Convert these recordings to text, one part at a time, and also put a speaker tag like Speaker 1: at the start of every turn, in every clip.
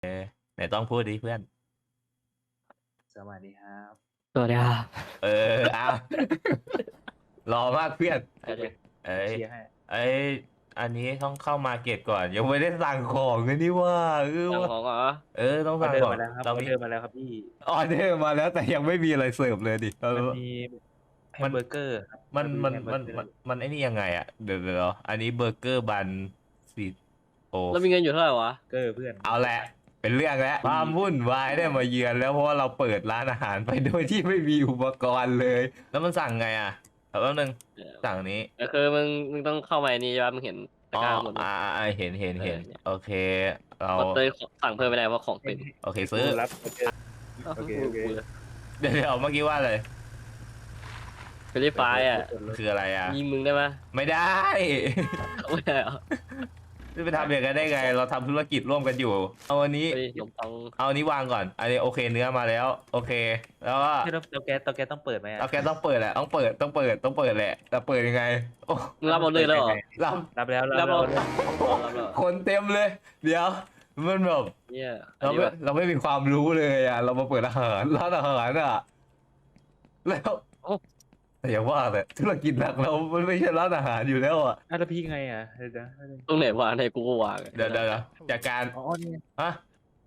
Speaker 1: ไหนต้องพูดดิเพื่อน
Speaker 2: สวัสดีครับ
Speaker 3: สวัสดีครับ
Speaker 1: เอา รอมากเพื่อน
Speaker 3: เดี๋ยว
Speaker 1: เอ้ย
Speaker 2: เชียร์ให้
Speaker 1: เอ้ยอันนี้ต้องเข้ามาเก็ตก่อนยังไม่ได้สั่งของเลยนี่ว่า
Speaker 3: สั่ง
Speaker 1: ว่า
Speaker 3: ของเหรอ
Speaker 1: ต้อง
Speaker 2: ออ
Speaker 1: สั่ง
Speaker 2: เดอ
Speaker 1: ข
Speaker 2: ร์
Speaker 1: อง
Speaker 2: มาแล้วครับอ
Speaker 1: เรา
Speaker 2: อ
Speaker 1: มี
Speaker 2: เดอร์มาแล้วครับพี่
Speaker 1: ออเดอร์มาแล้วแต่ยังไม่มีอะไรเสิร์ฟเลยดิ
Speaker 2: มันมีแฮมเบอร์เกอร์ครับ
Speaker 1: มัน
Speaker 2: มี
Speaker 1: มัน
Speaker 2: แฮเบอ
Speaker 1: มัน
Speaker 2: ร์เกอร์
Speaker 1: มันไอ้นี่ยังไงอ่ะเดี๋ยวอันนี้เบอร์เกอร์บันซีโอ
Speaker 3: แล้วมีเงินอยู่เท่าไหร่วะ
Speaker 2: เกอร์เพื่อน
Speaker 1: เอาแหละเป็นเรื่องแล้วความวุ่นวายได้มาเยือนแล้วเพราะว่าเราเปิดร้านอาหารไปโดยที่ไม่มีอุปกรณ์เลย แล้วมันสั่งไงอ่ะแป๊บนึงสั่งนี้
Speaker 3: ก็คือมึงต้องเข้ามาในนี่ใช่ปะมึงเห็นตะ
Speaker 1: อ๋อก
Speaker 3: ร้าหมด
Speaker 1: เห็น
Speaker 3: เนี่ย
Speaker 1: โอเคเรา
Speaker 3: พอเตยสั่งเพิ่มไม่ได้เพราะของเต็ม
Speaker 1: โอเคซื้อ
Speaker 2: รับเบอร์เกอร์ โอเคโอเค
Speaker 1: เดี๋ยวเมื่อกี้ว่าเลย
Speaker 3: เฟรนช์ฟรายอ่ะ
Speaker 1: คืออะไรอ่ะ
Speaker 3: ยิงมึงได้ปะ
Speaker 1: ไม่ได้
Speaker 3: ไม่ได้เหรอ
Speaker 1: จะไปทำอย่างนั้นได้ไง เราทำธุรกิจร่วมกันอยู่เอาอันนี้
Speaker 3: เฮ้ยขนมปัง
Speaker 1: เอาอันนี้วางก่อนอันนี้โอเคเนื้อมาแล้ว โอเค แล้วก็
Speaker 2: เตาแก๊สต้องเปิดไหมอะ
Speaker 1: เอาแกต้องเปิดแหละต้องเปิดแหละแต่เปิดยังไงโอ้
Speaker 3: มึงรับออเดอร์แล้วเหรอ
Speaker 1: เรา
Speaker 2: รับแล้ว
Speaker 3: รับ
Speaker 2: แล้ว
Speaker 3: แล้วเหรอ
Speaker 1: คนเต็มเลย เดี๋ยวมันแบบ
Speaker 3: เนี่ยอัน
Speaker 1: เรา
Speaker 3: นี้
Speaker 1: ไม่
Speaker 3: วะ
Speaker 1: เราไม่มีความรู้เลยอ่ะ เรามาเปิดอาหารร้านอาหารอ่ะแล้วแต่อย่าว่าแต่ธุรกิจหลักเรามันไม่ใช่ร้านอาหารอยู่แล้วอ่ะ
Speaker 2: แล้วพี่ไงอ่ะเดี๋ยว
Speaker 3: ตรงไหนวางในกูก็วาง
Speaker 1: เดี๋ยวจากการ
Speaker 2: อ๋อนี่
Speaker 1: ฮะ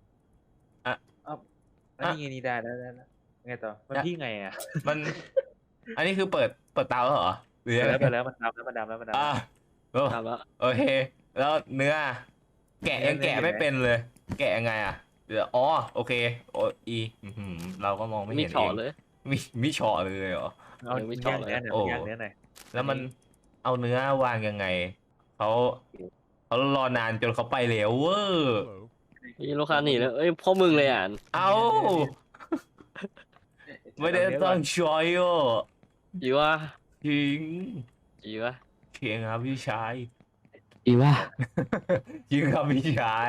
Speaker 2: อันนี้ไงนี่ได้ไงต่อมันพี่ไงอ่ะ
Speaker 1: มัน อันนี้คือเปิดเตาแล้วเหรอหรือยังไง
Speaker 2: แล้วมันดำแล้วมันดำ
Speaker 1: อ่ะ
Speaker 3: ทำแล้ว
Speaker 1: โอเค แล้วเนื้อ แกะยังแกะไม่เป็นเลย แกะยังไงอ่ะเดี๋ยวอ๋อโอเคเราก็มองไม่
Speaker 3: มี
Speaker 1: เห็น
Speaker 3: ฉอ
Speaker 1: เอง
Speaker 3: เลย
Speaker 1: มีเฉาะเลยเหรอ
Speaker 2: เอาย่างเนื้อหน่อย
Speaker 1: โอ้
Speaker 2: ย่างเนื้อหน่อย
Speaker 1: แล้วมันเอาเนื้อวางยังไงเขารอนานจนเขาไปแล้วเวอร์
Speaker 3: มีลูกค้าหนีเลยเอ้ยพ่อมึงเลยอ่ะ
Speaker 1: เอาไม่ได้ต้องช้อยอ่ะ
Speaker 3: อีวะ
Speaker 1: จริง
Speaker 3: อีวะ
Speaker 1: เชียงครับพี่ชาย
Speaker 3: อีวะ
Speaker 1: จริงครับพี่ชาย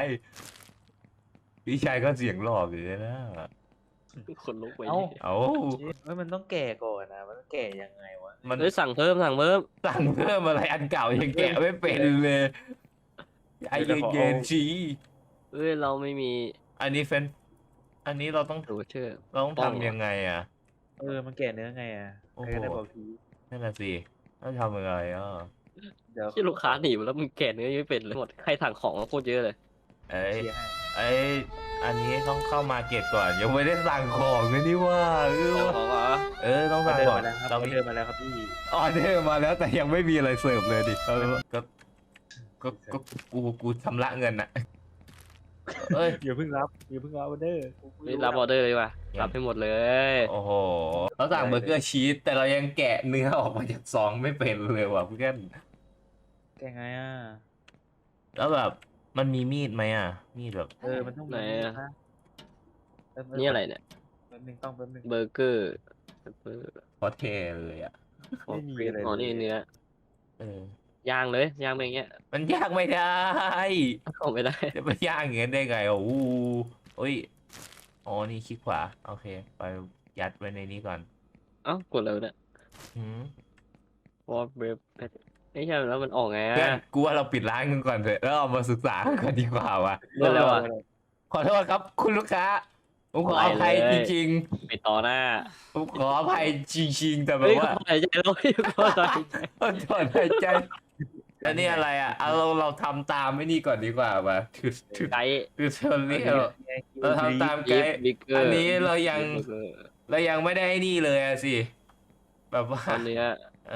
Speaker 1: ก็เสียงหลอกอยู่เลยนะ
Speaker 3: คนลุกไป
Speaker 1: เอา
Speaker 2: มันต้องแก่ก่อนนะมันต้องแก่ยังไงวะ
Speaker 1: มัน
Speaker 3: เฮ้ยสั่งเพิ่ม
Speaker 1: สั่งเพิ่มอะไรอันเก่ายังแกะไม่เป็นเลยไอ้เย็นๆชี
Speaker 3: เอ้ยเราไม่มี
Speaker 1: อันนี้อันนี้เราต้อง
Speaker 3: โรเชอร์
Speaker 1: ทำยังไงอ่ะ
Speaker 2: มันแก่เนื้อไงอ่ะ
Speaker 1: โอ้โห
Speaker 2: ใครก็ได้บอกที
Speaker 1: นั่นน่ะสิต้องทำยังไงอ่ะ
Speaker 2: เดี๋ยว
Speaker 3: ที่ลูกค้าหนีมาแล้วมึงแกะเนื้อยังไม่เป็นเลยหมดใครสั่งของมาโคตรเยอะเลย
Speaker 1: เอ้ย
Speaker 2: เชียร์ให้
Speaker 1: อันนี้ต้องเข้ามาเก็ตก่อนยังไม่ได้สั่งของเลยนี่ว่า
Speaker 3: สั่งของเหรอ
Speaker 1: ต้อง
Speaker 2: ออ
Speaker 1: สั่ง
Speaker 2: เดอร์
Speaker 1: ก่อน
Speaker 2: มาแล้วครับอ
Speaker 1: เรา
Speaker 2: อ
Speaker 1: มี
Speaker 2: เดอร์มาแล้วครับพี่
Speaker 1: ออเดอร์มาแล้วแต่ยังไม่มีอะไรเสิร์ฟเลยดิก็กูชำระเงินนะเอ้ย
Speaker 2: อย่าเพิ่งรับออเดอร์
Speaker 3: นี่รับออเดอร์เลยว่ะรับให้หมดเลย
Speaker 1: โอ้โหเราสั่งเบอร์เกอร์ชีสแต่เรายังแกะเนื้อออกมาจากซองไม่เป็นเลยว่ะเพื่อน
Speaker 2: แกไงอ่ะ
Speaker 1: แล้วแบบมันมีมีดไหมอ่ะมีดแบบ
Speaker 2: มันต้อง
Speaker 3: ไหนอะ
Speaker 2: ะ
Speaker 3: นี่อะไรเนี่ย
Speaker 2: แป๊บนึงต้องแป๊บนึง
Speaker 3: เบอร์เกอร์
Speaker 1: พอเทเลยอ่ะ
Speaker 2: ไม่มีอะไร
Speaker 3: อ๋อนี่เนื้อย่างเลยย่างไปอย่างเงี้ย
Speaker 1: มันยากไม่ได้
Speaker 3: เอาไม่ได้
Speaker 1: จะไปย่างอย่างนี้ได้ไงโอ้โหโอ้ยอ๋อนี่คลิกขวาโอเคไปยัดไว้ในนี้ก่อน
Speaker 3: เอ้ากดเลยเนี่ย
Speaker 1: หืม
Speaker 3: วอลเบฟไม่ใช่แล้วมันออกไง
Speaker 1: เพื่อนกูว่าเราปิดร้านกันก่อนเถอะแล้วเอามาศึกษากันก่อนดีกว่าว่ะ
Speaker 3: เรื่องแล้วอ่ะ
Speaker 1: ขอโทษครับคุณลูกค้าผมขออภัยจริง
Speaker 3: ปิดต่อหน้า
Speaker 1: ๆผมขออภัยจริงๆแต่แบบ
Speaker 3: เฮ้ย
Speaker 1: ว่า
Speaker 3: เขาหายใจแล้วเฮ้ยเขาหายใจ
Speaker 1: ถอนหายใจอันนี้อะไรอ่ะเอาเราทำตามไม่นี่ก่อนดีกว่าว่ะถือ
Speaker 3: ไกด์
Speaker 1: คือเชอรี่เราทำตามไกด์
Speaker 3: บิ๊กเกอร์
Speaker 1: อันนี้เรายังไม่ได้นี่เลยอะสิแบบว่า
Speaker 3: อันเนี้ย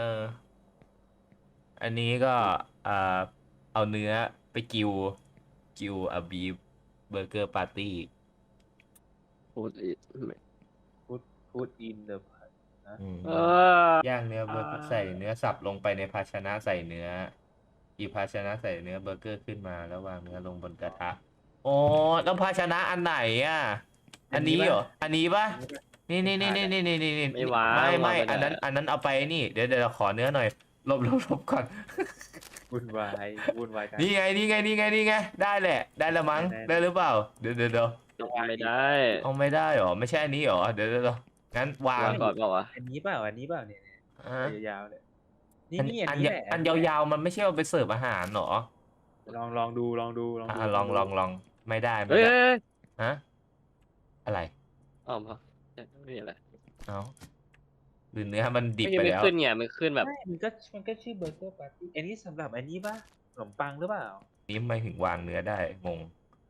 Speaker 1: อันนี้ก็เอาเนื้อไปกิวบีฟเบอร์เกอร์ปาร์ตี้
Speaker 3: พูด
Speaker 2: พูดอินเดอะ
Speaker 1: ย่างเนื้อเบอร์เกอร์ใส่เนื้อสับลงไปในภาชนะใส่เนื้ออีกภาชนะใส่เนื้อเบอร์เกอร์ขึ้นมาแล้ววางเนื้อลงบนกระทะโอ้แล้วภาชนะอันไหนอ่ะอันนี้เหรออันนี้ปะนี่
Speaker 3: ไม่วาง
Speaker 1: ไม่อันนั้นเอาไปนี่เดี๋ยวเราขอเนื้อหน่อยลบก่อน
Speaker 2: วุ่นวายกัน
Speaker 1: นี่ไงได้แหละได้ละมั้งได้หรือเปล่าเดี๋ยว
Speaker 3: ไม่ได้
Speaker 1: เอาไม่ได้หรอไม่ใช่อันนี้หรอเดี๋ยวงั้นวาง
Speaker 3: วางก่อนเปล่าวะ
Speaker 2: อันนี้เปล่าเนี่ยยาวๆเลยนี่
Speaker 1: อั
Speaker 2: อั
Speaker 1: น
Speaker 2: นนี้แหละ
Speaker 1: อันยาวๆมันไม่ใช่เอาไปเสิร์ฟอาหารหรอ
Speaker 2: ลองดู
Speaker 1: ลองไม่ได้
Speaker 3: เฮ้ย
Speaker 1: ฮะอะไร
Speaker 3: อ๋อมาไม่มีอะไร
Speaker 1: เอาหรือเนื้อมันดิบ
Speaker 3: ไม่
Speaker 1: ไป
Speaker 3: ไม่
Speaker 1: แล้ว
Speaker 3: ขึ้นไงมันขึ้นแบบ
Speaker 2: ไม่มันก็ชื่อเบอร์เกอร์ปาร์ตี้อันนี้สำหรับอันนี้ป่ะขนมปังหรือเปล่า
Speaker 1: นี้ไม่ถึงวางเนื้อได้งง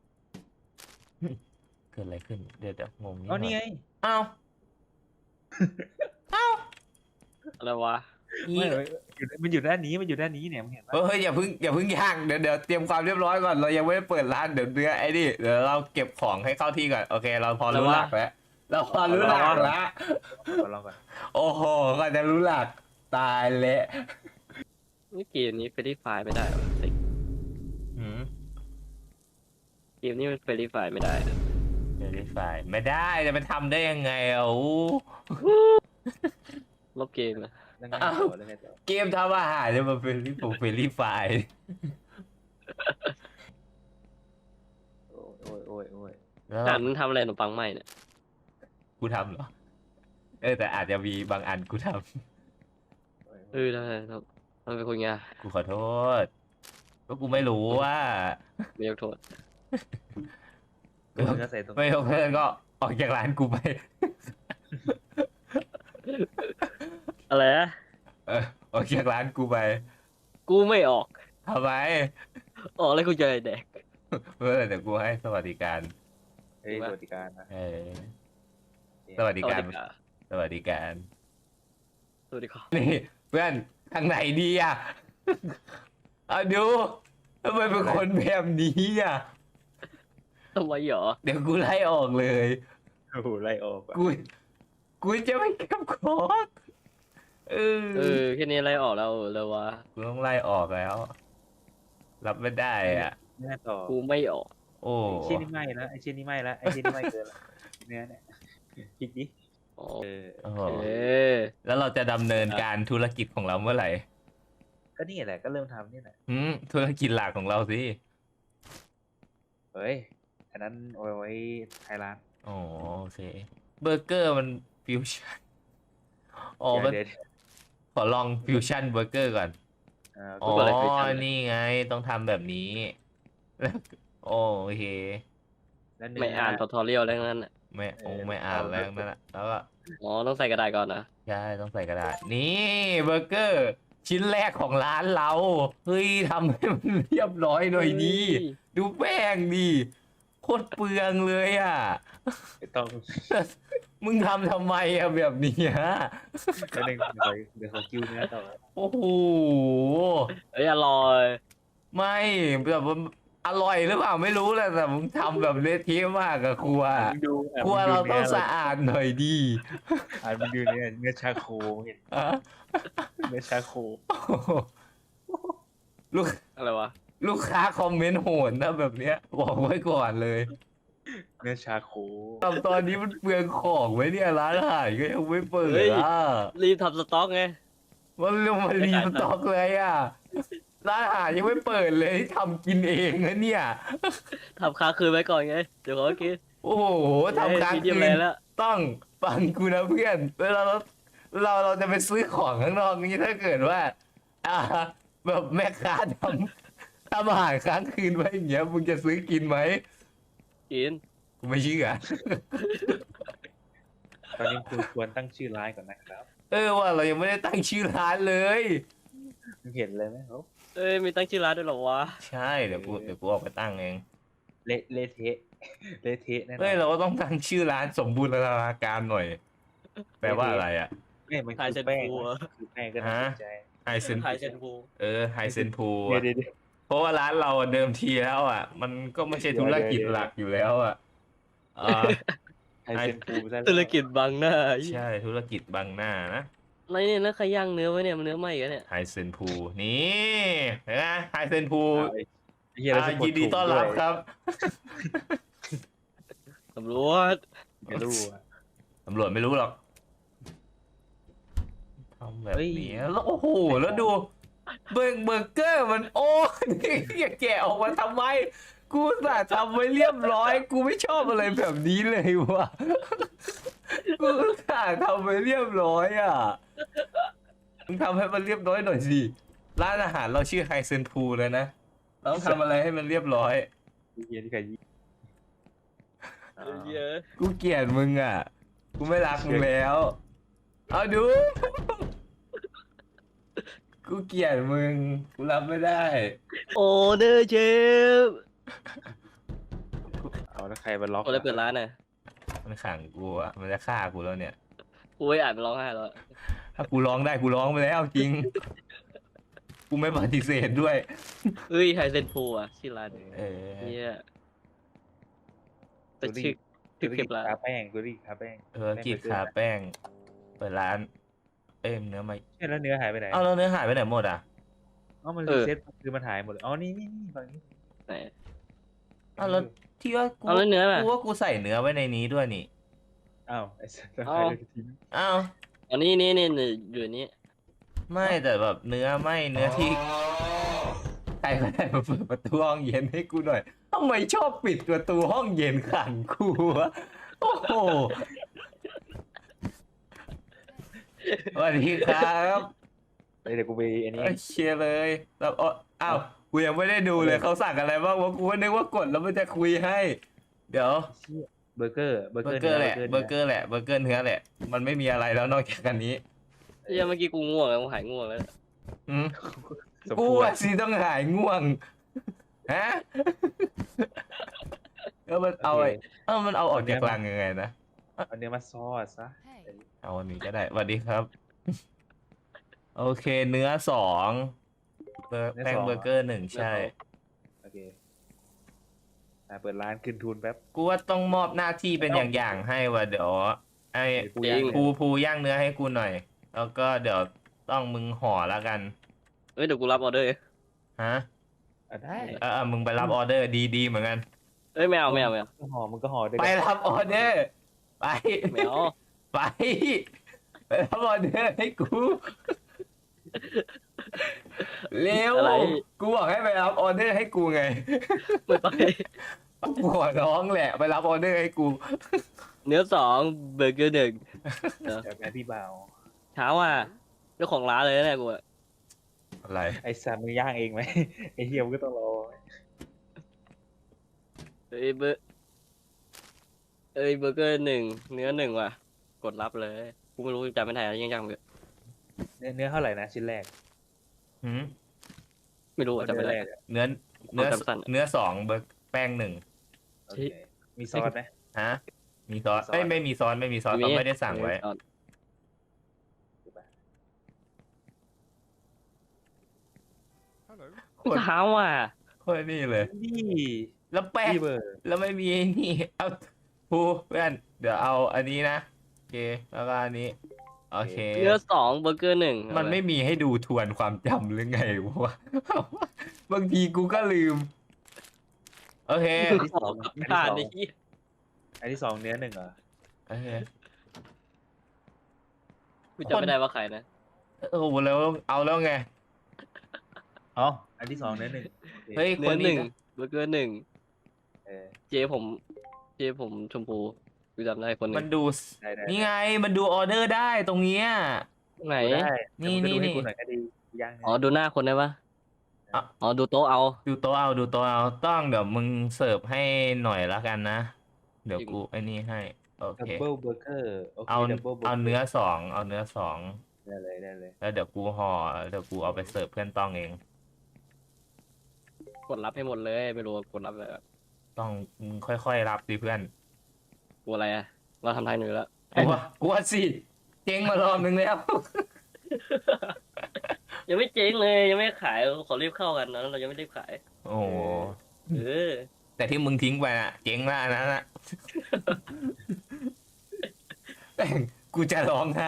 Speaker 1: เกิดอะไรขึ้นเดี๋ยวงงนิดห
Speaker 2: อ๋อ
Speaker 1: น่
Speaker 2: นี่ไง
Speaker 1: อยอ้าวอ้าว
Speaker 3: อะไรวะ
Speaker 2: ไม่มันอยู่ด้านนี้เนี่ยมึงเห็นปะ
Speaker 1: เฮ้ยอย่าเพิ่งย่างเดี๋ยวเตรียมความเรียบร้อยก่อนเรายังไม่ได้เปิดร้านเดี๋ยวเนื้อไอ้นี่เดี๋ยวเราเก็บของให้เข้าที่ก่อนโอเค เราพอรู้หลักแล้วเราพอรู้หลักแล้ว
Speaker 2: ลองก่อน
Speaker 1: โอ้โหก็จะรู้หลักตายเละ
Speaker 3: นี่เกมนี้เฟรนไฟไม่ได้หรอ
Speaker 1: หืม
Speaker 3: เกมนี้มันเฟรนไฟไม่ได้
Speaker 1: เวลิฟายไม่ได้จะไปทำได้ยังไงอ่ะอู้
Speaker 3: ลบเกมนะ
Speaker 2: แล้วไงต่อแล้วไงต่อ
Speaker 1: เกมทำอาหารจะมาเป็นเฟลิฟาย
Speaker 2: โอ้ย
Speaker 1: แล้ว
Speaker 3: อ่านมึงทำอะไรขนมปังไหมเนี่ย
Speaker 1: กูทำเหรอแต่อาจจะมีบางอันกูท
Speaker 3: ทำไมเป็นคนไง
Speaker 1: ำกูขอโทษก็กูไม่รู้ว่า
Speaker 3: ไม่ยกโทษ
Speaker 2: เนื้อใส่ตรง
Speaker 1: ไม่ยกเลิกก็ออกจากร้านกูไป
Speaker 3: อะไรนะ
Speaker 1: ออกจากร้านกูไป
Speaker 3: กูไม่ออก
Speaker 1: ทำไม
Speaker 3: ออกแล้วกูจะแดก
Speaker 1: เมื่อเดี๋ยวกูให้สวัสดิการ
Speaker 2: เฮ้ยสวัสดิการนะ
Speaker 1: สวัสดิการ
Speaker 3: สวัสดีครับ
Speaker 1: สวัสดิการ
Speaker 3: สวัสดีครับ
Speaker 1: นี่เพื่อนทางไหนดีอ่ะ เอาดูทำไมเป็นคนแบบนี้อ่ะ
Speaker 3: ทำไมหรอ
Speaker 1: เดี๋ยวกูไล่ออกเลย
Speaker 2: โอ้โหไล่ออกอ่ะ
Speaker 1: กูจะไม่เก็บของ
Speaker 3: แค่นี้อะไรออกแล้วเลยวะ
Speaker 1: กูต้องไล่ออกแล้ว รับไม่ได้อ่ะ
Speaker 2: เนื้อต่อ
Speaker 3: กูไม่ออก
Speaker 1: โอ้
Speaker 2: ไอ้ชิ้นนี้ไหม้แล้วไอ้ชิ้นนี้ไหม้แล้วไอ้ชิ้นนี้ไหม้เกินแล้วเนื้อเนี่ยคิดดิ
Speaker 3: อ๋อ
Speaker 1: โอ้โห
Speaker 3: เออ
Speaker 1: แล้วเราจะดำเนินการธุรกิจของเราเมื่อไหร่
Speaker 2: ก็นี่แหละก็เริ่มทำนี่แหละ
Speaker 1: ธุรกิจหลักของเราสิ
Speaker 2: เฮ้ยอันนั้นเอาไว้ไทยร้าน
Speaker 1: อ๋อโอเคเบอร์เกอร์มันฟิวชั่นอ๋อมัน
Speaker 2: เดี๋ยว
Speaker 1: ขอลองฟิวชั่นเบอร์เกอร์ก่อน อ๋อ นี่ไงต้องทำแบบนี้ แล้วโอเค
Speaker 2: แล้วเนื้
Speaker 3: ไม่อ่านทอทอเรียลแล้วนั้นน่ะ
Speaker 1: ไม่อ่านแล้วนั่นแหละแล้วก็
Speaker 3: อ๋อต้องใส่กระดาษก่อนนะ
Speaker 1: ใช่ต้องใส่กระดาษ นี่เบอร์เกอร์ ชิ้นแรกของร้านเรา เฮ้ยทำให้มันเรียบร้อยหน่อยดี ดูแป้งดิโคตรเปลืองเลยอ่ะ
Speaker 2: ไม่ต้อง
Speaker 1: มึงทำไมอะแบบนี้ฮะ
Speaker 2: แล้วเดี๋ยวเขากิ้วเนื้อต่อ
Speaker 1: โอ้โห
Speaker 3: เอ้ยอร่อย
Speaker 1: ไม่แบบว่าอร่อยหรือเปล่าไม่รู้แหละแต่มึงทำแบบเละเทะมากอะครัว
Speaker 2: มึงดู
Speaker 1: ครัวเราต้องสะอาดหน่อยดี
Speaker 2: มึงดูเนื้อชาโคเห็น
Speaker 1: อะ
Speaker 2: เนื้อชาโค
Speaker 1: โอ้โหลูก
Speaker 3: อะไรวะ
Speaker 1: ลูกค้าคอมเมนต์โหดนะแบบเนี้ยบอกไว้ก่อนเลย
Speaker 2: เนื้อชาโค
Speaker 1: ทำตอนนี้มันเปลืองของไว้เนี่ยร้านอาหารก็ยังไม่เปิดอ่ะ
Speaker 3: รีบทำสต็อกไง
Speaker 1: มันเรื่องมารีสต็อกเลยอ่ะร้านอาหารยังไม่เปิดเลยทำกินเองนะเนี่ย
Speaker 3: ทำค้างคืนไว้ก่อนไง เดี๋ยวเขากิน
Speaker 1: โอ้โหทำค้าง
Speaker 3: มีเดียม
Speaker 1: คื
Speaker 3: แร
Speaker 1: น
Speaker 3: แล้ว
Speaker 1: ต้องฟังกูนะเพื่อนเวลาเราจะไปซื้อของข้างนอกนี้ถ้าเกิดว่า อ่า แบบแม่ค้าทำอาหารค้างคืนไว้อย่างเงี้ยมึงจะซื้อกินไหม
Speaker 3: กิน
Speaker 1: กูไม่เชื่อ
Speaker 2: ตอนนี้คุณควรตั้งชื่อร้านก่อนนะครับ
Speaker 1: ว่าเรายังไม่ได้ตั้งชื่อร้านเลย
Speaker 2: มึงเห็นเลยไหมเขา
Speaker 3: เอ้ยมีตั้งชื่อร้านด้วยเหรอวะ
Speaker 1: ใช่เดี๋ยวกูออกไปตั้งเอง
Speaker 2: เละเทะเละเทะแน่นอ
Speaker 1: เฮ้ย
Speaker 2: น
Speaker 1: เราก็ต้องตั้งชื่อร้านสมบูรณาการหน่อย แปลว่าอะไรอ่ะ
Speaker 2: ไม่มัน
Speaker 3: ไฮ
Speaker 2: คือ
Speaker 3: เซน
Speaker 2: แป้ง
Speaker 3: พู
Speaker 2: คือแป้งก็น่าสนใจ
Speaker 1: ไฮเซน
Speaker 3: ไฮเซนพู
Speaker 1: ไฮเซนพู
Speaker 2: เดี๋ยว
Speaker 1: เพราะว่าร้านเราเดิมทีแล้วอ่ะ มันก็ไม่ใช่ธุรกิจหลักอยู่แล้วอ่ะ
Speaker 2: ไฮเซนฟูซะแล้ว
Speaker 3: ธุรกิจบังหน้า
Speaker 1: ใช่ธุรกิจบังหน้านะ
Speaker 3: อะไรเนี่ยนะใครย่างเนื้อไว้เนี่ยมันเนื้อไหมกันเนี่ย
Speaker 1: ไฮเซนพูนี่เห็นไหมไฮเซนพู
Speaker 2: ไอ้เหี้ยเราจะก
Speaker 1: ยินดีต้อนรับครับ
Speaker 3: ตำรวจ
Speaker 2: ไม่รู้อะ
Speaker 1: ตำรวจไม่รู้หรอกทำแบบนี้แล้วโอ้โหแล้วดูเบอร์เกอร์มันโอ้นี่แกะออกมาทำไม กูอุตส่าห์ทำไว้เรียบร้อย กูไม่ชอบอะไรแบบนี้เลยวะกูอุตส่าห์ทำไว้เรียบร้อยอ่ะมึงทำให้มันเรียบร้อยหน่อยสิร้านอาหารเราชื่อไฮเซนพูเลยนะเราต้องทำอะไรให้มันเรียบร้อย
Speaker 2: เหี้ยที่ใครยิง
Speaker 3: เยอะ
Speaker 1: กูเกลียดมึงอ่ะ กูไม่รักมึงแล้ว เอาดู กูเกลียดมึง กูรับไม่ได้
Speaker 3: โอเดอร์เชฟ
Speaker 2: เอาแล้วใครมาล็อก
Speaker 3: คนเลยเปิดร้านน่ะ
Speaker 1: มันขังกูอ่ะ มันจะฆ่ากูแล้วเนี่ย
Speaker 3: กูไม่อ่านมันร้องไห้แล้วอะ
Speaker 1: ถ้ากูร้องได้กูร้องไปแล้วจริง กูไม่ปฏิเสธด้วย
Speaker 3: เฮ้ยไฮเซนพูอ่ะชื่อร้าน
Speaker 1: เออ
Speaker 3: เนี่ยแต่ชื่อ
Speaker 2: คือ
Speaker 3: เก็บร้าน
Speaker 2: คาแป้งกูรีคาแป้ง
Speaker 1: ธุรกิจขาแป้ง เปิดร้าน เอ้ยเนื้อไม่
Speaker 2: ใช่แล้วเนื้อหายไปไหน
Speaker 1: เอาแล้วเนื้อหายไปไหนหมดอ่ะ
Speaker 2: อ๋อมันรีเซ็ตคือมันหายหมดเลยอ๋อนี่ฝั่งนี้
Speaker 3: ไหน
Speaker 1: เอาแล้วที่ว่ากู
Speaker 3: เอาแล้วเนื้อล่ะ
Speaker 1: กูว่ากูใส่เนื้อไว้ในนี้ด้วยนี่
Speaker 2: อ้าวไอ้สัตว์แล้ว
Speaker 3: เอา
Speaker 2: ใครจะทิ้ง
Speaker 1: อ้าว
Speaker 3: อันนี้นี่อยู่นี่
Speaker 1: ไม่แต่แบบเนื้อไม่เนื้อที่ใครก็ได้มาเปิดประตูห้องเย็นให้กูหน่อยทำไมชอบปิดประตูห้องเย็นขังกูวะโอ้โหสวัสดีครับ
Speaker 2: เดี๋ยวกูไปอันนี้
Speaker 1: เชียร์เลยแล้วอ้าวกูยังไม่ได้ดูเลยเขาสั่งอะไรบ้างวะกูก็นึกว่ากดแล้วมันจะคุยให้ เดี๋ยว
Speaker 2: เชี่ยเบอร์เกอร์
Speaker 1: เบอร์เกอร์แหละเบอร์เกอร์แหละเบอร์เกอร์เนื้อแหละ มันไม่มีอะไรแล้วนอกจากอันนี้
Speaker 3: เฮ้ยเมื่อกี้กูง่วงแล้วกูหายง่วงแล้ว
Speaker 1: อืม
Speaker 2: สม
Speaker 1: กู
Speaker 2: ควร
Speaker 1: อะสิต้องหายง่วงฮะแล้วมันเอาไอ้มันเอาออกจากรังยังไงนะ
Speaker 2: เอาเนื้อมาซอสซะ
Speaker 1: เอาอันนี้ก็ได้สวัสดีครับ โอเค เนื้อสองแป้งเบอร์เกอร์หนึ่งใช่
Speaker 2: โอเคเปิดร้านขึ้นทุนแป๊บ
Speaker 1: กูว่าต้องมอบหน้าที่เป็นอย่างๆให้ว่ะเดี๋ยวไอ้
Speaker 2: กูย่าง
Speaker 1: ภูย่างเนื้อให้กูหน่อย แล้วก็เดี๋ยวต้องมึงห่อแล้วกัน
Speaker 3: เฮ้ยเดี๋ยวกูรับออเดอร์
Speaker 1: ฮะ
Speaker 2: ได้
Speaker 1: มึงไปรับออเดอร์ดีๆเหมือนกัน
Speaker 3: เอ้ยไม่เอา
Speaker 2: มึงก็ห่อด้วย
Speaker 1: ไป
Speaker 2: กัน
Speaker 1: รับออเดอร์ ไป
Speaker 3: ไม่เอา
Speaker 1: ไปรับออเดอร์ให้กู เร็ว
Speaker 3: อะไร
Speaker 1: กูบอกให้ไปรับออเดอร์ให้กูไง
Speaker 3: ไม่ไป
Speaker 1: กูขอร้องแหละไปรับออเดอร์ให้กู
Speaker 3: เนื้อสองเบอร์เกอร์หนึ่ง
Speaker 2: แบบแม่พี่บ่าว
Speaker 3: เช้าอ่ะเจ้าของร้านเลยนะกูอะ
Speaker 1: อะไร
Speaker 2: ไอ้สัตว์มึงย่างเองไหม ไอ้เฮียมึงก็ต้องรอ
Speaker 3: เอ้ยเบอร์เกอร์หนึ่งเนื้อหนึ่งว่ะกดรับเลยกูไม่รู้จำไม่ได้ยังจำไม่
Speaker 2: เนื้อเท่าไหร่นะชิ้นแรก
Speaker 1: หืม
Speaker 3: ไม่รู้อะจำไม่ได้
Speaker 2: แรกอะ
Speaker 1: เนื้อเนื้อ
Speaker 3: จำสั้นอะ
Speaker 1: เนื้อสองเบอร์แป้งหนึ่ง
Speaker 2: โอเคมีซอสไหม
Speaker 1: ฮะ มีซอส
Speaker 2: มีซอส
Speaker 1: ไม่มีซอสไม่มีซอสเขาไม่ได้สั่งไว้
Speaker 3: เช้าอ่ะ
Speaker 1: โคตรนี่เลย
Speaker 2: นี่
Speaker 1: แล้วแป้ง
Speaker 2: พี่เบอร์
Speaker 1: แล้วไม่มีไอ้นี่ เอาภูเพื่อนเดี๋ยวเอาอันนี้นะ โอเค แล้วก็อันนี้ โอเค
Speaker 3: เนื้อสองเบอร์เกอร์หนึ่ง
Speaker 1: มันไม่มีให้ดูทวนความจำหรือไงวะ บางทีกูก็ลืม โอเค
Speaker 3: สองผ่านไอ้ที่
Speaker 2: อันที่สองเนื้อหนึ่งเหรอ
Speaker 1: โอเค
Speaker 3: กูจำไม่ได้ว่าใครนะ
Speaker 1: โอ้โหแล้วเอาแล้วไง
Speaker 2: อ๋ออันที่สองเนื้อหนึ่งโอเค
Speaker 1: เฮ้ย ค
Speaker 3: เนื้อน ห
Speaker 1: นี้
Speaker 3: นึ่งเบอร์เกอร์หนึ่ง
Speaker 2: เออ
Speaker 3: เจผมชมพูกูจำได้คนหนึ
Speaker 1: มัน
Speaker 3: ง
Speaker 1: ดู
Speaker 2: ได้
Speaker 1: นี่ไง มันดูออเดอร์ได้ตรงเนี้ย
Speaker 3: ไหน
Speaker 2: ได้
Speaker 1: นี่
Speaker 2: แต่มึงก็ดู
Speaker 1: นี่
Speaker 2: ให้กูหน่อยก็ดีย่างเนื้
Speaker 3: อ๋อดูหน้าคนได้ปะ
Speaker 1: อ่ะ
Speaker 3: อ๋อดูโต๊ะเอา
Speaker 1: ดูโต๊ะเอาดูโต๊ะเอาต้องเดี๋ยวมึงเสิร์ฟให้หน่อยละกันนะ เดี๋ยวกูไอ้นี่ให้ โอ
Speaker 2: ดับ
Speaker 1: เค
Speaker 2: เบิลเบอร์เกอร์โอเค
Speaker 1: เอา
Speaker 2: ดับเบิลเบอร์
Speaker 1: เอาเนื้อสองเอาเนื้อสอง
Speaker 2: ได้เลยได้เลย
Speaker 1: แล้วเดี๋ยวกูห่อเดี๋ยวกูเอาไปเสิร์ฟเพื่อนต้องเอง
Speaker 3: กดรับให้หมดเลยไม่รู้ว่ากดรับอะไรอะ
Speaker 1: ต้องมึงค่อยๆรับดิเพื่อน
Speaker 3: กลัวอะไรอะเราทำทางหนึ่งแล้ว
Speaker 1: กูว่าสิเจ๊งมารอบนึงแล้ว
Speaker 3: ยังไม่เจ๊งเลยยังไม่ขายขอรีบเข้ากันนะเรายังไม่รีบขาย
Speaker 1: โอ้โห
Speaker 3: เออ
Speaker 1: แต่ที่มึงทิ้งไปน่ะ เจ๊งแล้วอันนั้นน่ะ แม่งกูจะร้องไห้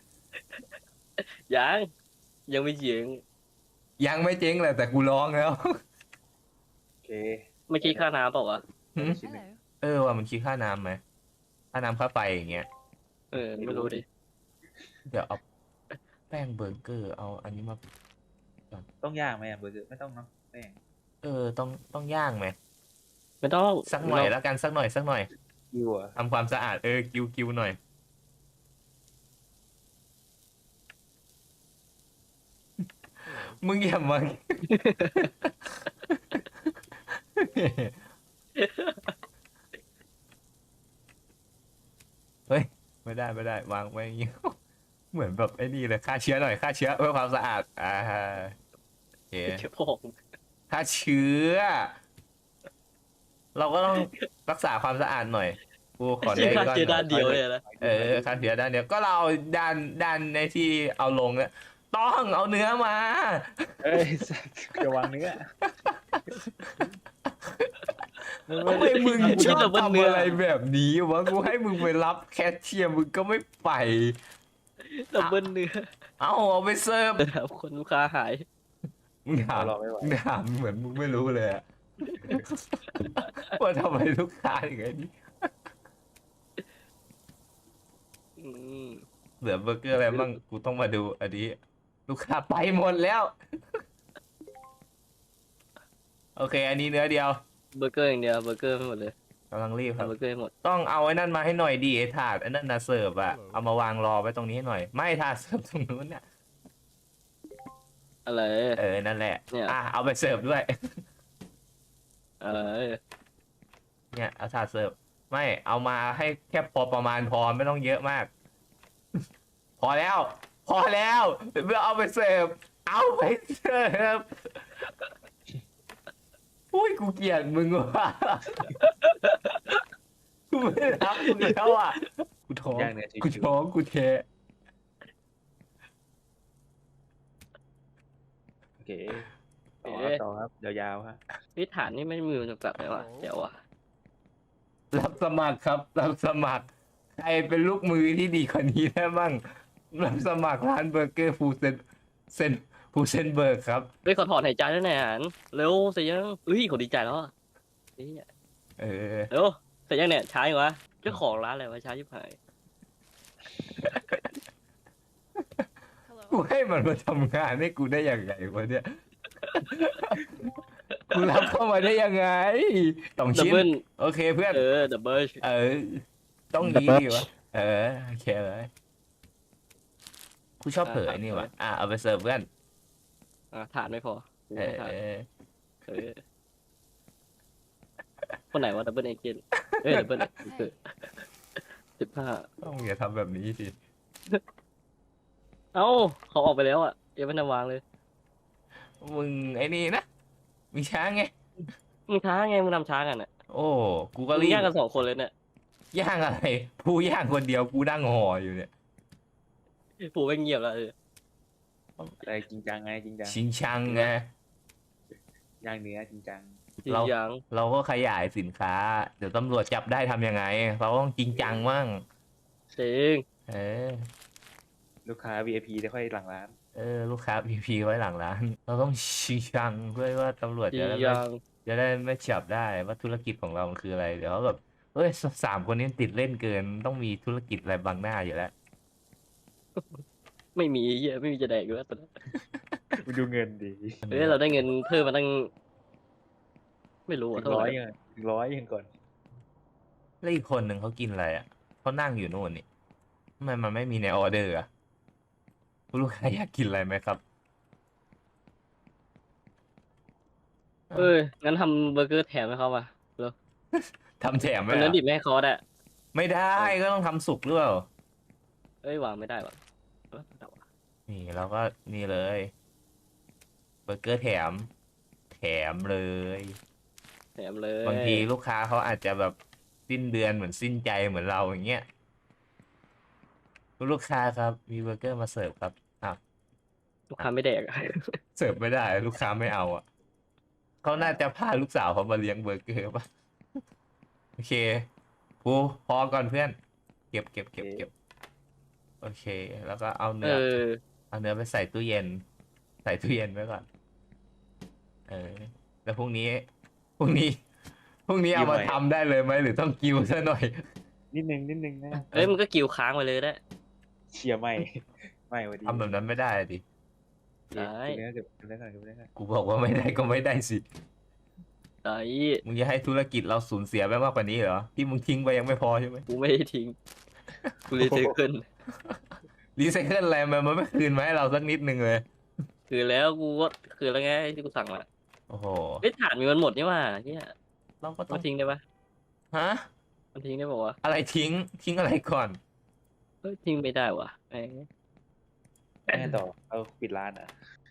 Speaker 3: ยังไม่เจ๊ง
Speaker 1: ยังไม่เจ๊งเลยแต่กูร้องแล้ว
Speaker 2: โอเค
Speaker 3: ไม่คิดค่าน้ำเปล่าวะ
Speaker 1: หืม
Speaker 2: ชิ้นหนึ่ง
Speaker 1: ว่ามันคิดค่าน้ำไหมค่าน้ำค่าไฟอย่างเงี้ย
Speaker 3: เออไม่รู้ดิ
Speaker 1: เดี๋ยวเอาแป้งเบอร์เกอร์เอาอันนี้มา
Speaker 2: ต้องย่างไหมอะเบอร์เกอร์ไม่ต้องเนาะแป้ง
Speaker 1: ต้องย่างไหม
Speaker 3: ไม่ต้อง
Speaker 1: สักหน่อยแล้วกันสักหน่อย
Speaker 2: คิวอะ
Speaker 1: ทำความสะอาดคิวหน่อย มึงอย่ามาเฮ้ยไม่ได้วางไว้อย่างงี้ เหมือนแบบไอ้นี่เลยฆ่าเชื้อหน่อยฆ่าเชื้อเพื่อความสะอาดโอเค
Speaker 3: เชื่อพ่อ
Speaker 1: ฆ่าเชื้อ เราก็ต้องรักษาความสะอาดหน่อยกูขอ
Speaker 3: เชื่อ
Speaker 1: ได้
Speaker 3: ค่า
Speaker 1: ก่อน
Speaker 3: เชื่อด้านเดียวเลยนะ
Speaker 1: ฆ่าเชื้อด้านเดียวก็เราเอาด้านในที่เอาลงเนี่ยต้องเอาเนื้อมา
Speaker 2: เอ้ยสัตว์จะวางเนื้อ
Speaker 1: ทำไมมึงชอบทำอะไรแบบนี้วะกูให้มึงไปรับแคชเชียร์มึงก็ไม่ไป
Speaker 3: ดับเบิลเนื้อ
Speaker 1: เอาไปเสิร์ฟ
Speaker 3: แบบคนลูกค้าหาย
Speaker 1: มึงถาม
Speaker 2: รอไม่ไหว
Speaker 1: มึงถามเหมือนมึงไม่รู้เลยอะว่าทำไมลูกค้าอย่างนี้
Speaker 3: อืม
Speaker 1: เหลือเบอร์เกอร์อะไรบ้างกูต้องมาดูอันนี้ ลูกค้าไปหมดแล้ว โอเค อันนี้เนื้อเดียว
Speaker 3: เบอร์เกอร์อย่างเดียวเบอร์เกอร์ไม่หมดเลย
Speaker 1: กำลังรีบครับ
Speaker 3: ทำเบอร์เกอร์ให้หมด
Speaker 1: ต้องเอาไอ้นั่นมาให้หน่อยดีไอ้ถาดไอ้นั่นนะเสิร์ฟอะเอามาวางรอไว้ตรงนี้ให้หน่อย ไม่ถาดเสิร์ฟตรงนู้นเนี่ย
Speaker 3: อะไร
Speaker 1: นั่นแหละ
Speaker 3: เนี่ย
Speaker 1: เอาไปเสิร์ฟด้วย
Speaker 3: อะไร
Speaker 1: เนี่ยเอาถาดเสิร์ฟไม่เอามาให้แค่พอประมาณพอไม่ต้องเยอะมาก พอแล้ว พอแล้วเมื่อเอาไปเสิร์ฟเอาไปเสิร์ฟอุ้ยกูเกลียดมึงว่ะ กูไม่รับมึงแล้วอ่ะกูท้อง
Speaker 2: ย่างเนื้อชิวๆ
Speaker 1: กูท้องกูเท
Speaker 2: โอเคต่อครับยาวๆฮะ
Speaker 3: นี่ฐานนี่ไม่มีมันจำกัดไหมวะเดี๋ยววะ
Speaker 1: รับสมัครครับรับสมัครใครเป็นลูกมือที่ดีกว่านี้ได้บ้างรับสมัครร้านเบอร์เกอร์ฟูเซนเบิร์กครับ
Speaker 3: เฮ้ยขอถอนหายใจด้วยหน่อยหันเร็วเสร็จยังเฮ้ยขอดีใจแล้วอ่ะเฮ้ย
Speaker 1: เออ
Speaker 3: เร็วเสร็จยังเนี่ยช้าอยู่วะเจ้าของร้านอะไรวะช้าชิบหาย
Speaker 1: กูให้มันมาทำงานให้กูได้ยังไงวะเนี่ย กูรับเข้ามาได้ยังไงต้อง
Speaker 3: ดับ
Speaker 1: ชิ้น
Speaker 3: เบิล
Speaker 1: โอเคเพื่อน
Speaker 3: ดับเบิล
Speaker 1: ต้องนี้ดิวะโอเคเลยกูชอบเผยนี่วะเอาไปเสิร์ฟเพื่อน
Speaker 3: ฐานไม่พอ
Speaker 1: เออ
Speaker 3: เออคนไหนวะดับเบิลเอเจนดับเบิล15
Speaker 1: ต้องอย่าทำแบบนี้สิ
Speaker 3: เอ้าเขาออกไปแล้วอ่ะยังไม่ได้วางเลย
Speaker 1: มึงไอ้นี่นะมีช้างไง
Speaker 3: มึงช้าไงมึงทำช้ากันอ่ะ
Speaker 1: โอ้กูก็
Speaker 3: มึง
Speaker 1: รีบ
Speaker 3: ย่างกัน2 คนเลยเนี่ย
Speaker 1: ย่างอะไรผู้ย่างคนเดียวกูนั่งห่ออยู่เนี่ย
Speaker 3: ผูไปเงียบแล้ว
Speaker 2: อะไรจริงจังไงจริงจัง
Speaker 1: ชิงชังไง
Speaker 2: ย่างเนื้อจริงจัง
Speaker 3: จริง
Speaker 1: เรา
Speaker 3: ยัง
Speaker 1: เราก็ขยายสินค้า เดี๋ยวตำรวจจับได้ทำยังไง เราต้องจริงจังมั่ง
Speaker 3: จริง
Speaker 1: เออ
Speaker 2: ลูกค้า VIP ได้ค่อยหลังร้าน
Speaker 1: ลูกค้าพีไว้หลังร้าน เราต้องชิงชังเพื่อว่าตำรวจ
Speaker 3: จริ
Speaker 1: จะ
Speaker 3: ง
Speaker 1: ได้
Speaker 3: ยัง
Speaker 1: ไม่จับได้ว่าธุรกิจของเรามันคืออะไร เดี๋ยวเขาแบบเฮ้ย3 คนนี้ติดเล่นเกินต้องมีธุรกิจอะไรบังหน้าอยู่แล้ว
Speaker 3: ไม่มีเหี้ยไม่มีจะแดกอยู่แล้วตอนนั้น
Speaker 2: ไปดูเงินดี
Speaker 3: เฮ้ยเราได้เงินเพิ่มมาตั้งไม่รู้
Speaker 2: ถึ
Speaker 3: อ่ะ
Speaker 2: ง
Speaker 3: เท่าไห
Speaker 2: ร้อ
Speaker 3: ร่
Speaker 2: ยยังถึงร้อยยังก่อน
Speaker 1: แล้วอีกคนหนึ่งเขากินอะไรอ่ะเขานั่งอยู่นู่นนี่ทำไมมันไม่มีในออเดอร์อ่ะคุณลูกค้าอยากกินอะไรไหมครับ
Speaker 3: งั้นทำเบอร์เกอร์แถมให้เขาป่ะ
Speaker 1: ทำแถมไหม
Speaker 3: วันนั้น
Speaker 1: อ่ะ
Speaker 3: ดิบไม่ให้เขาได้
Speaker 1: ไม่ได้ก็ต้องทำสุกหรือเปล่า
Speaker 3: วางไม่ได้ว่ะแต่ว่า
Speaker 1: นี่เราก็นี่เลยเบอร์เกอร์แถมเลย
Speaker 3: แถมเลย
Speaker 1: บางทีลูกค้าเขาอาจจะแบบสิ้นเดือนเหมือนสิ้นใจเหมือนเราอย่างเงี้ยคุณลูกค้าครับมีเบอร์เกอร์มาเสิร์ฟครับอ้าว
Speaker 3: ลูกค้าไม่แดกอะ
Speaker 1: เสิร์ฟไม่ได้ลูกค้าไม่เอาอ่ะเขาน่าจะพาลูกสาวเขามาเลี้ยงเบอร์เกอร์ป่ะโอเคปูพอก่อนเพื่อนเก็บโอเค แล้วก็เอาเนื้อไปใส่ตู้เย็นไว้ก่อนแล้วพรุ่งนี้เอามาทำได้เลยไหมหรือต้องกิ้วซะหน่อย
Speaker 2: นิดนึงนะ
Speaker 3: มันก็กิวค้างไปเลยได้
Speaker 2: เชียร์ไม่ ไม่วันดี
Speaker 1: ทำแบบนั้นไม่ได้ดิ
Speaker 3: ได้
Speaker 2: เนื้อเก็บเนื้อก่อน
Speaker 1: กูบอกว่าไม่ได้ก็ไม่ได้สิ
Speaker 3: ไอ้
Speaker 1: มึงจะให้ธุรกิจเราสูญเสียไปมากกว่านี้เหรอที่มึงทิ้งไปยังไม่พอใช่ไหม
Speaker 3: กูไม่ได้ทิ้งกูรีไซเคิล
Speaker 1: รีไซเคิลอะไรมันไม่คืนมาให้เราสักนิดนึงเลย
Speaker 3: คือแล้วกูก็คือแล้วไงที่กูสั่งมา
Speaker 1: โอ้โห
Speaker 3: ถ่านมีมันหมดนี่ว่าเนี่ย
Speaker 1: เราก็ต้อ
Speaker 3: มาง ทิ้งได้ปะ
Speaker 1: ฮะ
Speaker 3: มันทิ้งได้ป่าวะ
Speaker 1: อะไรทิ้งทิ้งอะไรก่อน
Speaker 3: เฮ้ยทิ้งไม่ได้วะแหม
Speaker 2: แม่ต่อเอาปิดร้านอ่ะ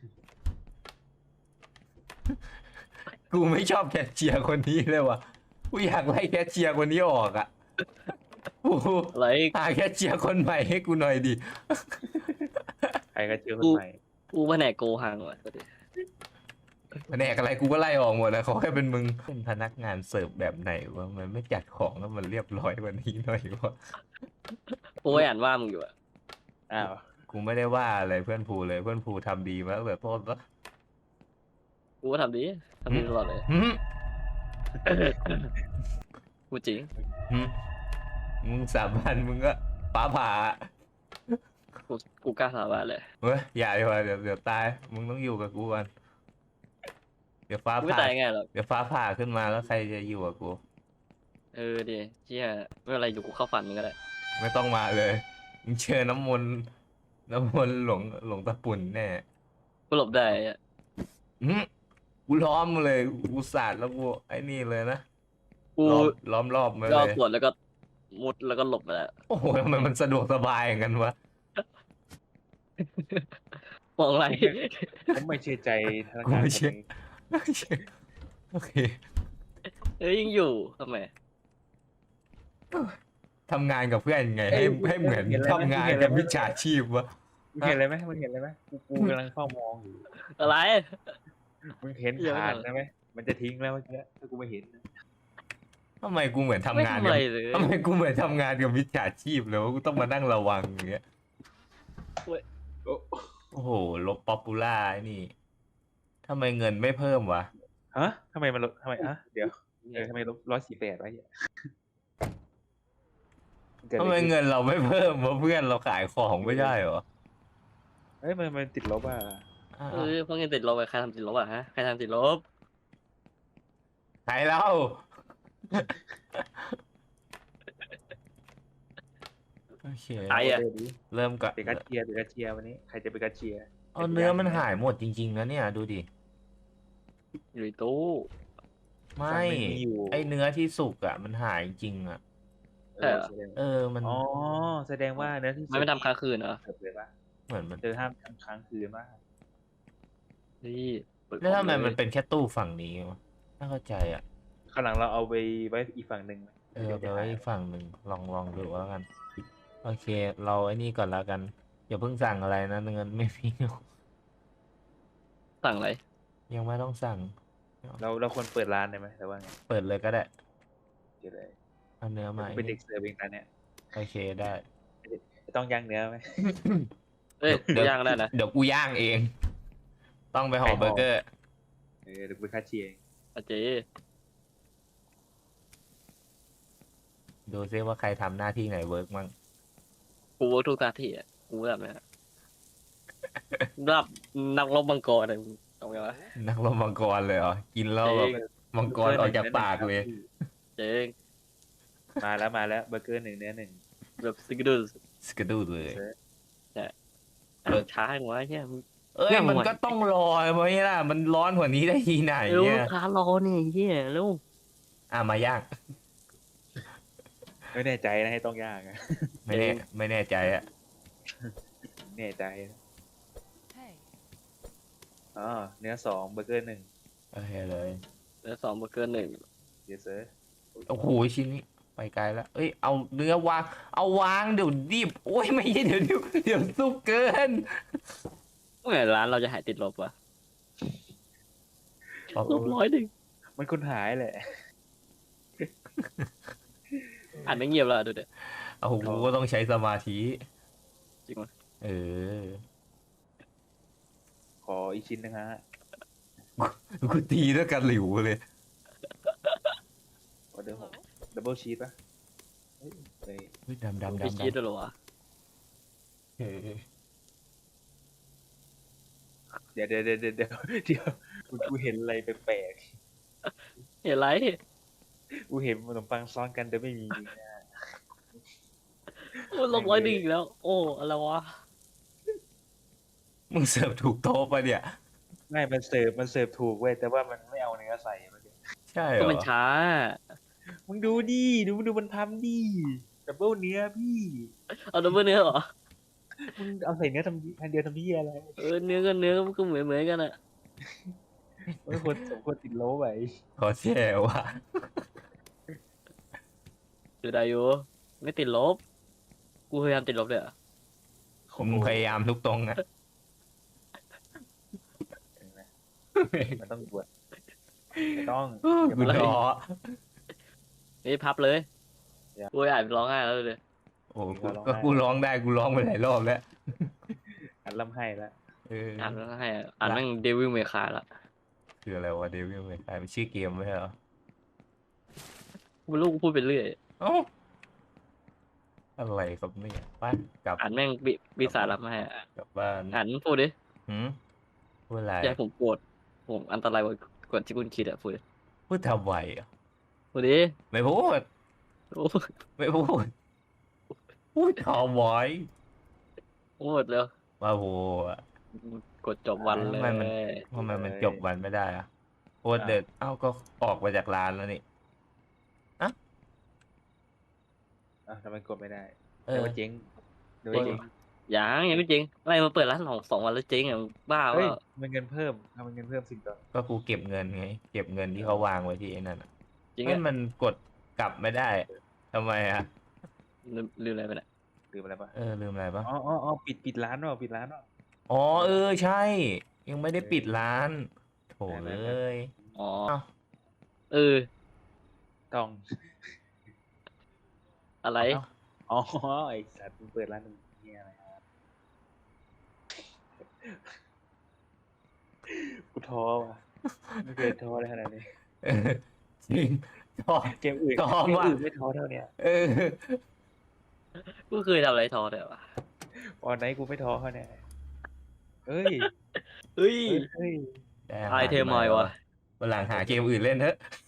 Speaker 1: กูไม่ชอบแคชเชียร์คนนี้เลยว่ะกูอยากไล่แคชเชียร์คนนี้ออกอ่ะกู
Speaker 3: อะไร
Speaker 1: หาแคชเชียร์คนใหม่ให้กูหน่อยดิ
Speaker 2: ใครก็เจอคนใหม่
Speaker 3: กูแผนกโกหังว่ะ
Speaker 1: แผนกอะไรกูก็ไล่ออกหมดนะขอแค่เป็นมึงเป็นพนักงานเสิร์ฟแบบไหนวะมันไม่จัดของแล้วมันเรียบร้อยกว่านี้หน่อยวะ
Speaker 3: กูไม่อ่านว่ามึงอยู่อะ
Speaker 2: อ้าว
Speaker 1: กูไม่ได้ว่าอะไรเพื่อนภูเลยเพื่อนภูทำดีมากแบบโทษวะ
Speaker 3: กูก็ทำดีตลอดเลย
Speaker 1: หืม
Speaker 3: กูจริง
Speaker 1: หืมมึงสาบานมึงก็ฟ้าผ่า
Speaker 3: กูกล้าสาบานเลย
Speaker 1: เฮ้ยอย่าดีกว่าเดี๋ยวตายมึงต้องอยู่กับกูก่อนเดี๋ยวฟ้า
Speaker 3: กูไม่
Speaker 1: ผ่า
Speaker 3: ตายง่ายหรอก
Speaker 1: เดี๋ยวฟ้าผ่าขึ้นมาแล้วใครจะอยู่กับกู
Speaker 3: เออดิเชี่ยไม่เป็นไรอยู่กูเข้าฝันมึงก็ได้
Speaker 1: ไม่ต้องมาเลยมึงเชิญน้ำมนต์หลวงตะปุ่นแน่
Speaker 3: กูหลบได้อะ
Speaker 1: หืมกูล้อมเลยกูสาดแล้วกูไอ้นี่เลยนะ
Speaker 3: กู
Speaker 1: ล้อมรอบมา
Speaker 3: ย่อ
Speaker 1: เลย
Speaker 3: ส่วนแล้วก็มุดแล้วก็หลบไปแล้ว
Speaker 1: โอ้โหทำไมมันสะดวกสบายอย่างนั้นวะ
Speaker 3: มองอะไร
Speaker 2: ผมไม่เชื่อใจธนา
Speaker 1: กู
Speaker 2: คาร
Speaker 1: ไม่
Speaker 2: คน
Speaker 1: เชื่อ
Speaker 2: นี้
Speaker 1: โอเค
Speaker 3: เอ้ยยังอยู่ทำไม
Speaker 1: ทำงานกับเพื่อนไงให้เหมือนทำงานกับมิจฉาชีพวะ
Speaker 2: มึงเห็นอะไรไหมมึงเห็นอะไรไหมกูกำลังเฝ้ามองอยู่
Speaker 3: อะไร
Speaker 2: มึงเห็น
Speaker 3: เดี๋ยว
Speaker 2: ผ่าน
Speaker 3: ก่อน
Speaker 2: ใช่ไหมมันจะทิ้งแล้วเมื่อกี้ถ้ากูไม่เห็นนะ
Speaker 1: ทำไมกูเหมือนทำ
Speaker 3: ไม่
Speaker 1: งาน
Speaker 3: ทำ
Speaker 1: กั
Speaker 3: อะ
Speaker 1: บ
Speaker 3: ไรเลย
Speaker 1: ทำไมกูเหมือนทำงานกับมิจฉาชีพเลยวะกูต้องมานั่งระวังอย่างเงี้ย
Speaker 2: โอ้
Speaker 1: โอ้โหลบป๊อปปูล่าไอ้นี่ทำไมเงินไม่เพิ่มวะ
Speaker 2: ฮะทำไมมันลดทำไมอะเดี๋ยวทำไมลบ148วะเนี่ยเกิด
Speaker 1: ทำ
Speaker 2: อะ
Speaker 1: ไม
Speaker 2: รขึ้น
Speaker 1: เงินเราไม่เพิ่มวะเพื่อนเราขายของไม่ได้เหรอ
Speaker 2: เฮ้ยมันติดลบอ่ะ
Speaker 1: อ้าว
Speaker 3: เออพวกนี้ติดลบอะใครทำติดลบอะฮะใครทำติดลบ
Speaker 1: ใครเล่า โอเค
Speaker 3: ใครอะ
Speaker 2: เดี๋ยวดิ
Speaker 1: เริ่มก่อน
Speaker 2: เป็นกัดเชียร์เป็นกัดเชียร์วันนี้ใครจะเป็นกัดเชียร์
Speaker 1: เอาเนื้อมันหายหมดจริงๆนะเนี่ยดูดิ
Speaker 3: อยู่ในตู้
Speaker 1: ไม่
Speaker 2: สั่งเมนูอยู่
Speaker 1: ไอเนื้อที่สุกอ่ะมันหายจริงอ่ะ
Speaker 3: ใช่เหรอ
Speaker 2: แสดง
Speaker 1: มัน
Speaker 2: อ๋อแสดงว่าเนื้อที่
Speaker 3: มันไม่ทำค้างคืนเหรอ
Speaker 2: เกิดเลยปะ
Speaker 1: เหมือนมัน
Speaker 2: เจอห้ามทำค้างคืนมาก
Speaker 3: นี่เปิด
Speaker 1: แล้วทำไม
Speaker 3: คอ
Speaker 1: มัน
Speaker 3: เลย
Speaker 1: เป็นแค่ตู้ฝั่งนี้วะไม่เข้าใจอ่ะ
Speaker 2: ข้างหลังเราเอาไปไว้อีกฝั่งหนึ่งไหม
Speaker 1: เอาไปไว้อีกฝั่งหนึ่งลองดูแล้วกัน โอเค เราไอ้นี่ก่อนแล้วกันอย่าเพิ่งสั่งอะไรนะเงินไม่มี
Speaker 3: สั่งอะไร
Speaker 1: ยังไม่ต้องสั่ง
Speaker 2: เราควรเปิดร้านได้ไหมแต่ว่าไง
Speaker 1: เปิดเลยก็ได้
Speaker 2: เดี๋ยวเลย
Speaker 1: เอาเนื้อมา
Speaker 2: เป็นเด็กเสิร์ฟเองนะเนี่ย
Speaker 1: โอเคได้
Speaker 2: ต้องย่างเนื้อไหม
Speaker 3: เอ้ย
Speaker 1: เดี๋ยว
Speaker 3: ย่างได้นะ
Speaker 1: เดี๋ยวกูย่างเอง ต้องไปห่อ
Speaker 2: ใครห่อ
Speaker 1: เบอร์เกอร์
Speaker 2: เดี๋ยวเป็นค่าเชียร์เอง
Speaker 3: อาเจ
Speaker 1: ดูซิว่าใครทำหน้าที่ไหนเวิร์กมั่ง
Speaker 3: กูเวิร์กทุกหน้าที่อ่ะกูแบบเนี้ยรับนักรบมังกรอะไรเอาไงวะ
Speaker 1: นักรบมังกรเลยเหรอ กินแล้วแบบ
Speaker 3: จริง
Speaker 1: มังกรออกจากปากเลย
Speaker 3: เจ๊ง
Speaker 2: มาแล้วเบอร์เกอร์1เนื้อ1
Speaker 3: แบบซิกดูส
Speaker 1: สกดูเลย
Speaker 3: ช้าหัวไอ้เหี้ย
Speaker 1: เอ้ย
Speaker 3: ยังไง
Speaker 1: มันก็ต้องรอไหมล่ะ มันร้อนกว่านี้ได้ทีไหน
Speaker 3: เร็ว
Speaker 1: เนี่
Speaker 3: ลู
Speaker 1: ย
Speaker 3: กค้ารอเนี่ยไอ้เหี้ยเร็ว
Speaker 1: มาย่าง
Speaker 2: ไม่แน่ใจนะให้ต้องย่างอะ
Speaker 1: ไม่แน่ใจอ่ะ
Speaker 2: แน่ใจนะอ๋อเนื้อ2เบอร์เกอร์1
Speaker 1: โอเคเลย
Speaker 3: แล้ว2เบอร์เกอร์1
Speaker 2: เดี๋ยวเซอร์
Speaker 1: โอ้โหชิ้นนี้ไปไกลแล้ว เอ้ยเอาเนื้อวาง เอาวางเดี๋ยวดิบโอ้ยไม่ใช่เดี๋ยวสุกเกิน
Speaker 3: เมื่อไหร่ร้านเราจะหายติดลบวะลบ100
Speaker 2: มันคนหายแหละ
Speaker 3: อ่านไม่เงียบแล้วดูเด็ด
Speaker 1: โอ้โหกูก็ต้องใช้สมาธิ
Speaker 3: จริงไหม
Speaker 1: เออ
Speaker 2: ขออีกชิ้นนะฮะ
Speaker 1: กูตีด้วยกันหลิวเลย
Speaker 2: ออเดอร์6ดับเบิลชีสป่ะเฮ้ย
Speaker 1: เฮ้ยดำ
Speaker 3: มีชีสด้วยเหรอวะ
Speaker 1: เออ
Speaker 2: เดี๋ยวกูเห็นอะไรแปลก
Speaker 3: เห็นไร
Speaker 2: ๆกูเห็นขนมปังซ้อนกันแต่ไม่มีนะ
Speaker 3: โอ้ลบ100อีกแล้ว โอ้อะไรวะ
Speaker 1: มึงเสิร์ฟถูกโต๊ะปะเนี่ย
Speaker 2: ไม่มันเสิร์ฟถูกเว้ยแต่ว่ามันไม่เอาเนื้อใส่เมื่อกี้
Speaker 1: ใช่เหร
Speaker 3: ก็
Speaker 1: อ
Speaker 3: มันช้า
Speaker 2: มึงดูดิดูมันทำดิดับเบิลเนื้อพี่
Speaker 3: เอาดับเบิลเนื้อเหรอ
Speaker 2: มึงเอาใส่เนื้อทำอันเดียวทำพี่อะไร
Speaker 3: เนื้อกับเนื้อก็เหมือนกันอะ
Speaker 2: ไม่ควรสมควรติดโลไป
Speaker 1: ขอแช่ว่ะ
Speaker 3: อยู่ได้อยู่ไม่ติดลบกูพยายามติดลบเลยอะ
Speaker 1: ผมพยายามทุกตรงอะ
Speaker 2: เห็นไหมมันต้องบวชไม่ต้อง
Speaker 1: กูท้อ
Speaker 3: นี่พับเลย
Speaker 2: อย่า
Speaker 3: กูอ่านร้องไห้แล้วเลย
Speaker 1: โอ้ก็กูร้องได้กูร้องไปหลายรอบแล้ว
Speaker 2: อันล่ำให้แล้ว
Speaker 1: เออ
Speaker 3: อ่านร้องไห้อะอ่านแม่งเดวิลเมคาละ
Speaker 1: คืออะไรวะเดวิลเมคายเป็นชื่อเกมไม่ใช่เหรอ
Speaker 3: กูไม่รู้กูพูดไปเรื่อย
Speaker 1: เอ้าอะไรครับเนี่ยไป้ากลับ
Speaker 3: อ่านแม่งปีศาจรับมาให้อะ
Speaker 1: กลับบ้าน
Speaker 3: อ่านพูดดิ
Speaker 1: หืมพูดอะไร
Speaker 3: อย่าให้ผมโกรธผมอันตรายกว่าที่คุณคิดอะพูดดิ
Speaker 1: พูดทำไมอ่ะ
Speaker 3: พูดดิ
Speaker 1: ไม่พูด
Speaker 3: โอ้
Speaker 1: ไม่พูดพูดทำไม
Speaker 3: พูดเร็ว
Speaker 1: ว่าโหอะ
Speaker 3: กดจบวันเลย
Speaker 1: ทำไมมันจบวันไม่ได้อะโคตรเด็ดเอ้าก็ออกมาจากร้านแล้วนี่
Speaker 2: อ่ะทำไมกดไม่ได้
Speaker 1: เอ
Speaker 2: เดี๋ย
Speaker 1: อ
Speaker 2: วว่าเจ๊งเดี๋ยวว่าเจ๊ง
Speaker 3: ยังไม่จริงอะไรมาเปิดร้าน2 วันแล้วเจ๊งอ่ะบ้า
Speaker 2: เฮ้ย
Speaker 3: ว่า
Speaker 2: มันเงินเพิ่มทำเงินเพิ่มสิ่งต่อ
Speaker 1: ก็กูเก็บเงินไง เก็บเงินที่เขาวางไว้ที่ไอ้นั่นอะ
Speaker 3: จริง
Speaker 1: เฮ้ย
Speaker 3: อ่ะ
Speaker 1: มันกดกลับไม่ได้ทำไมอ่ะ
Speaker 3: ลืมอะไรไปเนี่ย
Speaker 2: หรืออะไรปะ
Speaker 1: ลืมอะไรปะ
Speaker 2: อ๋อปิดร้านว่ะปิดร้านว่ะ
Speaker 1: อ๋อใช่ ยังไม่ได้ปิดร้านโถ
Speaker 2: ไม่
Speaker 1: เล
Speaker 2: ไม่
Speaker 1: ย
Speaker 3: อ๋อ
Speaker 1: เอ้า
Speaker 3: เออ
Speaker 2: ต้อง
Speaker 3: อะไร
Speaker 2: อ๋อไอ้สัตว์มึงเปิดร้านมึงเนี่ยอะไรครับกูท้อว่ะไม่เคยท้อเลยขนาดนี้
Speaker 1: เออจริงท้อ
Speaker 2: เกมอื่น
Speaker 1: ท้อ
Speaker 2: เกม
Speaker 1: ว่ะ
Speaker 2: อื่นไม่ท้อเท่าเนี้ย
Speaker 1: เออ
Speaker 3: กูเคยทำอะไรทอแต่วะ
Speaker 2: ออนไหนกูไม่ท้อเขาเนี่ยเอ้ย
Speaker 3: เฮ้ย
Speaker 2: เฮ้ย
Speaker 1: ได้
Speaker 3: ไอเทมใหม่วะ
Speaker 1: วันหลังหาเกมอื่นเล่นเถอะ